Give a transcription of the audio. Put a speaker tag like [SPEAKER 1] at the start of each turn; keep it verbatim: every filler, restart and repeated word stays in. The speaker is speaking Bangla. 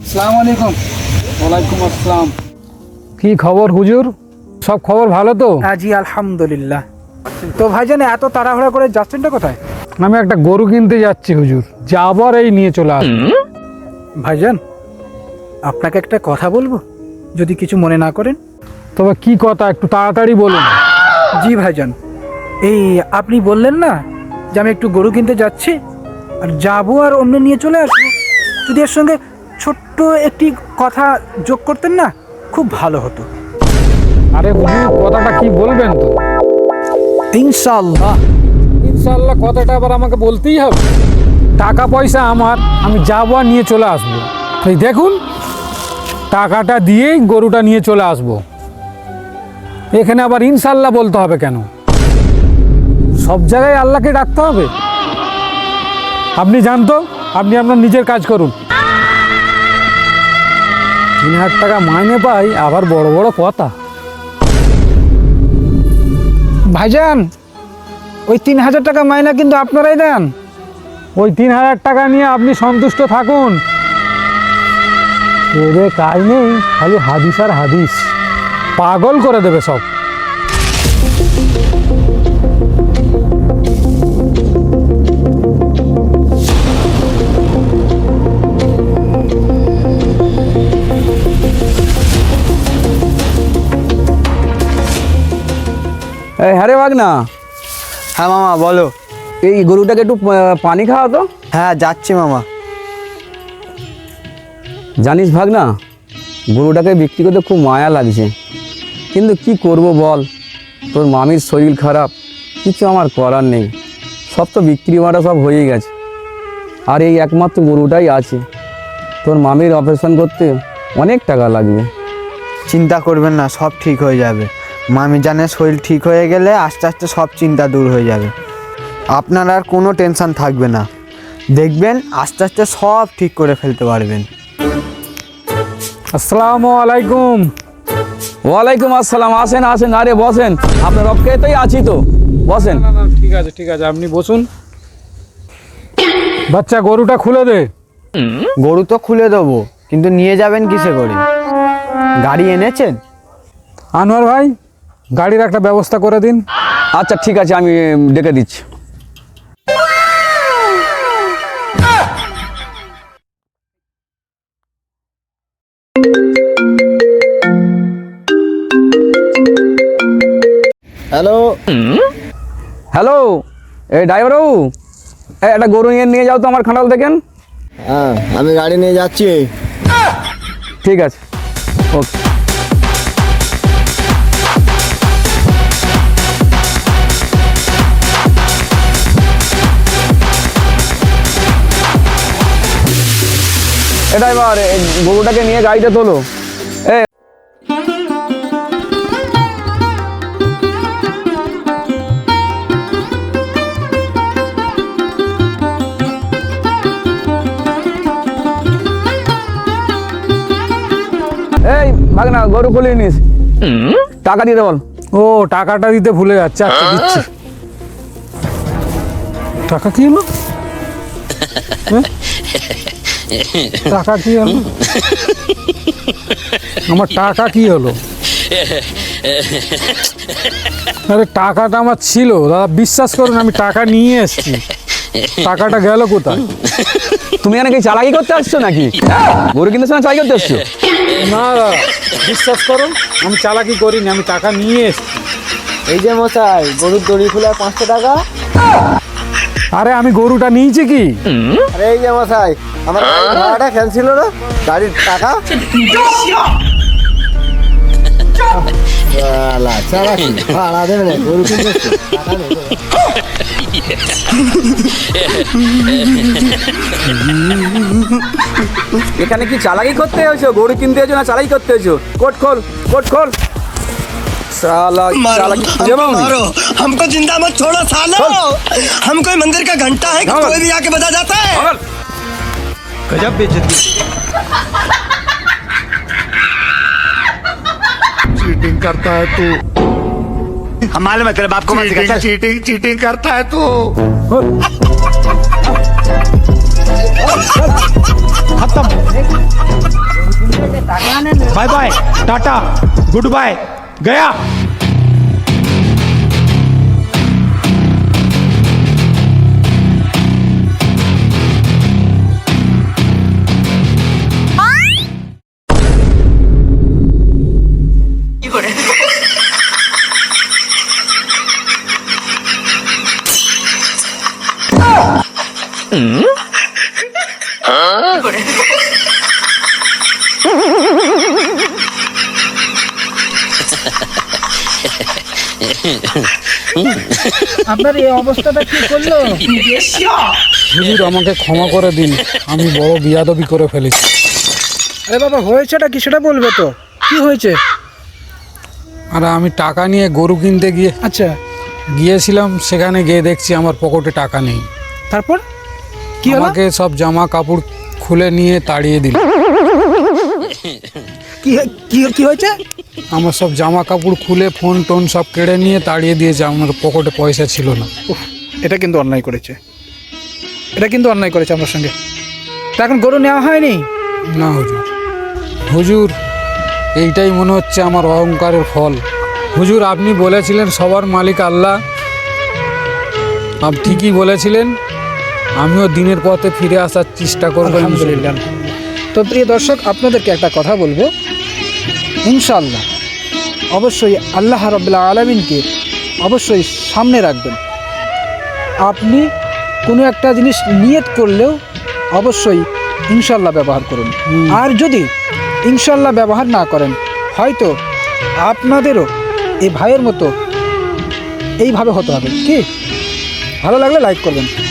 [SPEAKER 1] আসসালামু আলাইকুম।
[SPEAKER 2] ওয়ালাইকুম আসসালাম। কি খবর হুজুর? সব খবর ভালো তো?
[SPEAKER 1] হ্যাঁ জি আলহামদুলিল্লাহ। তো ভাইজান এত তাড়াহুড়া করে যাচ্ছেনটা কোথায়?
[SPEAKER 2] আমি একটা গরু কিনতে যাচ্ছি হুজুর, যাবার এই নিয়ে চলে আস।
[SPEAKER 1] ভাইজান আপনাকে একটা কথা বলবো, যদি কিছু মনে না করেন।
[SPEAKER 2] তবে কি কথা, একটু তাড়াতাড়ি বলুন।
[SPEAKER 1] জি ভাইজান, এই আপনি বললেন না যে আমি একটু গরু কিনতে যাচ্ছি আর যাবো আর অন্য নিয়ে চলে আসবো, যদি এর সঙ্গে ছোট্ট একটি কথা যোগ করতেন না খুব ভালো হতো।
[SPEAKER 2] আরে হুজুর কথাটা কি বলবেন তো?
[SPEAKER 1] ইনশাআল্লাহ।
[SPEAKER 2] ইনশাআল্লাহ কথাটা আবার আমাকে বলতেই হবে? টাকা পয়সা আমার, আমি যাবো আর নিয়ে চলে আসবো। এই দেখুন, টাকাটা দিয়েই গরুটা নিয়ে চলে আসবো। এখানে আবার ইনশাআল্লাহ বলতে হবে কেন? সব জায়গায় আল্লাহকে ডাকতে হবে? আপনি জানতো, আপনি আপনার নিজের কাজ করুন। তিন হাজার টাকা মাইনে পাই, আবার বড় বড় কথা।
[SPEAKER 1] ভাইজান ওই তিন হাজার টাকা মাইনা কিন্তু আপনারাই দেন।
[SPEAKER 2] ওই তিন হাজার টাকা নিয়ে আপনি সন্তুষ্ট থাকুন। এদের কাজ নেই, খালি হাদিস আর হাদিস, পাগল করে দেবে সব।
[SPEAKER 3] এই হ্যাঁ রে ভাগনা।
[SPEAKER 4] হ্যাঁ মামা বলো।
[SPEAKER 3] এই গরুটাকে একটু পা- পানি খাওয়া তো।
[SPEAKER 4] হ্যাঁ যাচ্ছি মামা।
[SPEAKER 3] জানিস ভাগনা, গরুটাকে বিক্রি করতে খুব মায়া লাগছে, কিন্তু কি করব বল, তোর মামির শরীর খারাপ, কিছু আমার করার নেই। সব তো বিক্রি মারা সব হয়ে গেছে, আর এই একমাত্র গরুটাই আছে। তোর মামির অপারেশন করতে অনেক টাকা লাগবে।
[SPEAKER 4] চিন্তা করবেন না, সব ঠিক হয়ে যাবে। মামি জানের শরীর ঠিক হয়ে গেলে আস্তে আস্তে সব চিন্তা দূর হয়ে যাবে। আপনার আর কোনো টেনশন থাকবে না, দেখবেন আস্তে আস্তে সব ঠিক করে ফেলতে পারবেন।
[SPEAKER 2] আসসালামু আলাইকুম।
[SPEAKER 3] ওয়ালাইকুম আসসালাম। আসেন আসেন, আরে বসেন, আপনার অপেক্ষাতেই আছি তো, বসেন।
[SPEAKER 2] না না ঠিক আছে ঠিক আছে, আপনি বসুন। বাচ্চা গরুটা খুলে দে।
[SPEAKER 4] গরু তো খুলে দেবো, কিন্তু নিয়ে যাবেন কিসে করে? গাড়ি এনেছেন?
[SPEAKER 2] আনোয়ার ভাই, গাড়ির একটা ব্যবস্থা করে দিন।
[SPEAKER 3] আচ্ছা ঠিক আছে, আমি ডেকে দিচ্ছি।
[SPEAKER 4] হ্যালো
[SPEAKER 3] হ্যালো, এই ড্রাইভার বাবু, এই একটা গরু নিয়ে নিয়ে যাও তো আমার খাঁড়াল দেখেন।
[SPEAKER 4] হ্যাঁ আমি গাড়ি নিয়ে যাচ্ছি।
[SPEAKER 3] ঠিক আছে, ওকে। এ ড্রাইভার, এই গরুটাকে নিয়ে গাড়িতে তোলো। এ এই ভাগনা, গরু খুলে নিস, টাকা দিতে বল।
[SPEAKER 2] ও টাকাটা দিতে ভুলে যাচ্ছে, আচ্ছা দিচ্ছি। টাকা কি হলো? হ্যাঁ? টাকা কি হলো? আমার টাকা কি হলো? আরে টাকাটা আমার ছিল দাদা, বিশ্বাস করুন, আমি টাকা নিয়ে এসেছি, টাকাটা গেল কোথায়?
[SPEAKER 3] তুমি এখানে কি চালাকি করতে আসছো নাকি? গরু কিনতে সময় চালাকি করতে আসছো?
[SPEAKER 2] না দাদা, বিশ্বাস করুন, আমি চালাকি করিনি, আমি টাকা নিয়ে এসেছি।
[SPEAKER 4] এই যে মশাই, গরুর দড়ি খোলা পাঁচশো টাকা।
[SPEAKER 2] আরে আমি গরুটা নিয়েছি কি?
[SPEAKER 4] আরে এই যে মশাই, আমার ভাড়াটা ক্যান্সেল হলো, গাড়ির টাকা। ভাড়া দেবে না, গরু কিনতে এসছো, টাকা নেই।
[SPEAKER 3] এখানে কি চালাকি করতে এসো? গরু কিনতে এসো না চালাকি করতে এসো? কোট খোল, কোট খোল। साला चालाकी तुझे मालूम नहीं?
[SPEAKER 5] हमको जिंदा मत छोड़ो सालो। हम कोई मंदिर का घंटा है कि
[SPEAKER 3] हाँ।
[SPEAKER 5] कोई भी आके बजा जाता है।
[SPEAKER 3] पागल।
[SPEAKER 5] गजब बेइज्जती।
[SPEAKER 6] चीटिंग करता है तू,
[SPEAKER 5] हम मालूम है तेरे बाप को मत सिखा।
[SPEAKER 6] चीटिंग चीटिंग चीटिंग करता है तू।
[SPEAKER 2] खत्म।
[SPEAKER 6] टाटा गुड बाय गया
[SPEAKER 1] আপনার এই অবস্থাটা কি করলো?
[SPEAKER 2] হুজুর আমাকে ক্ষমা করে দিন, আমি বড় বিয়াদবি করে ফেলেছি।
[SPEAKER 1] আরে বাবা, হয়েছেটা কি সেটা বলবে তো, কি হয়েছে?
[SPEAKER 2] আর আমি টাকা নিয়ে গরু কিনতে গিয়ে
[SPEAKER 1] আচ্ছা,
[SPEAKER 2] গিয়েছিলাম, সেখানে গিয়ে দেখছি আমার পকেটে টাকা নেই।
[SPEAKER 1] তারপর কি হলো?
[SPEAKER 2] আমাকে সব জামা কাপড় খুলে নিয়ে তাড়িয়ে দিল।
[SPEAKER 1] কি কি কি হয়েছে?
[SPEAKER 2] আমার সব জামা কাপড় খুলে ফোন টোন সব কেড়ে নিয়ে তাড়িয়ে দিয়েছে, আমার পকেটে পয়সা ছিল না।
[SPEAKER 1] উফ, এটা কিন্তু অন্যায় করেছে, এটা কিন্তু অন্যায় করেছে আমার সঙ্গে। তা এখন গরু নেওয়া হয়নি?
[SPEAKER 2] না হুজুর, হুজুর এইটাই মনে হচ্ছে আমার অহংকারের ফল। হুজুর আপনি বলেছিলেন সবার মালিক আল্লাহ, আপনি ঠিকই বলেছিলেন, আমিও দিনের পথে ফিরে আসার চেষ্টা করবো।
[SPEAKER 1] আলহামদুলিল্লাহ। তো প্রিয় দর্শক, আপনাদেরকে একটা কথা বলবো, ইনশাআল্লাহ অবশ্যই আল্লাহ রাব্বুল আলামিনকে অবশ্যই সামনে রাখবেন। আপনি কোনো একটা জিনিস নিয়ত করলেও অবশ্যই ইনশাআল্লাহ ব্যবহার করুন। আর যদি ইনশাআল্লাহ ব্যবহার না করেন, হয়তো আপনাদেরও এই ভাইয়ের মতো এইভাবে হতে হবে। কি ভালো লাগলে লাইক করবেন।